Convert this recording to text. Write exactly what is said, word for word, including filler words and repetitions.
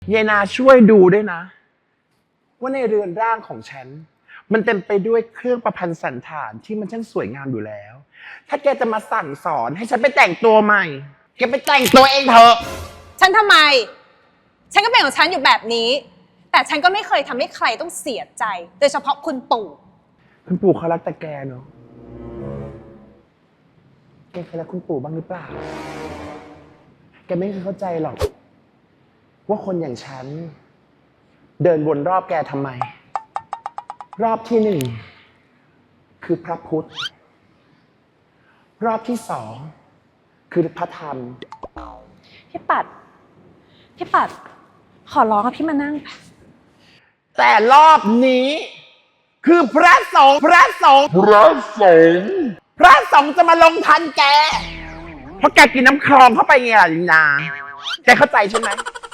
เยนาช่วยดูด้วยนะว่าในเรือนร่างของฉันมันเต็มไปด้วยเครื่องประพันธ์สันฐานที่มันช่างสวยงามอยู่แล้วถ้าแกจะมาสั่งสอนให้ฉันไปแต่งตัวใหม่แกไปแต่งตัวเองเถอะฉันทำไมฉันก็เป็นของฉันอยู่แบบนี้แต่ฉันก็ไม่เคยทำให้ใครต้องเสียใจโดยเฉพาะคุณปู่คุณปู่เขารักแต่แกเนาะแกเคยรักคุณปู่บ้างหรือเปล่าแกไม่เคยเข้าใจหรอกว่าคนอย่างฉันเดินวนรอบแกทำไมรอบที่หนึ่งคือพระพุทธรอบที่สองคือพระธรรมพี่ปัดพี่ปัดขอร้องอะพี่มานั่งแต่รอบนี้คือพระสงฆ์พระสงฆ์พระสงฆ์พระสงฆ์จะมาลงทันแกเพราะแกกินน้ำคลองเข้าไปไงล่ะลินาแกเข้าใจใช่ไหม